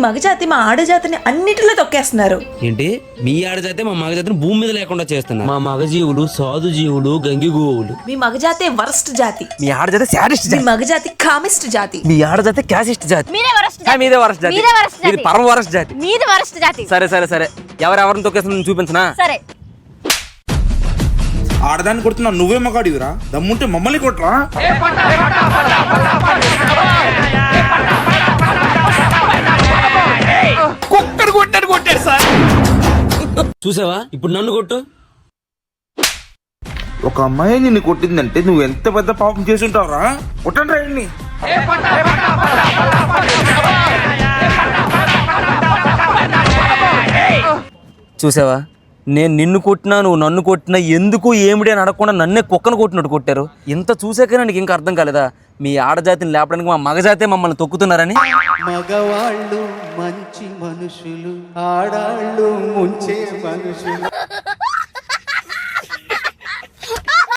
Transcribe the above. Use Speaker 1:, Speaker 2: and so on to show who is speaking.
Speaker 1: మగజాతి మా ఆడజాతిని అన్నిటిలో తొక్కేస్తున్నారు.
Speaker 2: ఏంటి మీ ఆడజాతే మా మగజాతిని భూమి మీద లేకుండా చేస్తున్నారు. మా మగజీవులు సాధు జీవులు గంగిగోవులు.
Speaker 1: మీ మగజాతే వరస్ట్ జాతి.
Speaker 3: మీ ఆడజాతే శాడిస్ట్
Speaker 1: మీ
Speaker 3: జాతి.
Speaker 1: మగజాతి కామిస్ట్ జాతి.
Speaker 3: మీ ఆడజాతే క్యాసిస్ట్ జాతి.
Speaker 4: మీదే వరస్ట్ జాతి.
Speaker 3: మీదే వరస్ట్ జాతి.
Speaker 4: మీదే వరస్ట్ జాతి.
Speaker 3: ఇది పరమ వరస్ట్ జాతి.
Speaker 4: మీది వరస్ట్ జాతి.
Speaker 3: సరే సరే సరే ఎవరెవరిని తొక్కేస్తుందని చూపించనా?
Speaker 4: సరే
Speaker 5: ఆడదాన్ని కొడుతున్నా నువ్వే మగాడివిరా, దమ్ముంటే మమ్మల్ని కొట్టరా.
Speaker 3: కుక్కడు కొట్టాడు సార్.
Speaker 2: చూసావా ఇప్పుడు నన్ను కొట్టు.
Speaker 5: ఒక అమ్మాయి నిన్ను కొట్టిందంటే నువ్వు ఎంత పెద్ద పాపం చేసి ఉంటావురా. కొట్టండి రాయండి.
Speaker 3: చూసావా నేను నిన్ను కొట్టినా నువ్వు నన్ను కొట్టినా ఎందుకు ఏమిటి అని అడగకుండా నన్నే కుక్కను కొట్టినట్టు కొట్టారు. ఇంత చూసాకనే నీకు ఇంకా అర్థం కాలేదా మీ ఆడజాతిని లేపడానికి మా మగజాతే మమ్మల్ని తొక్కుతున్నారని?
Speaker 6: మగవాళ్ళు మంచి మనుషులు, ఆడాళ్ళు ముంచే మనుషులు.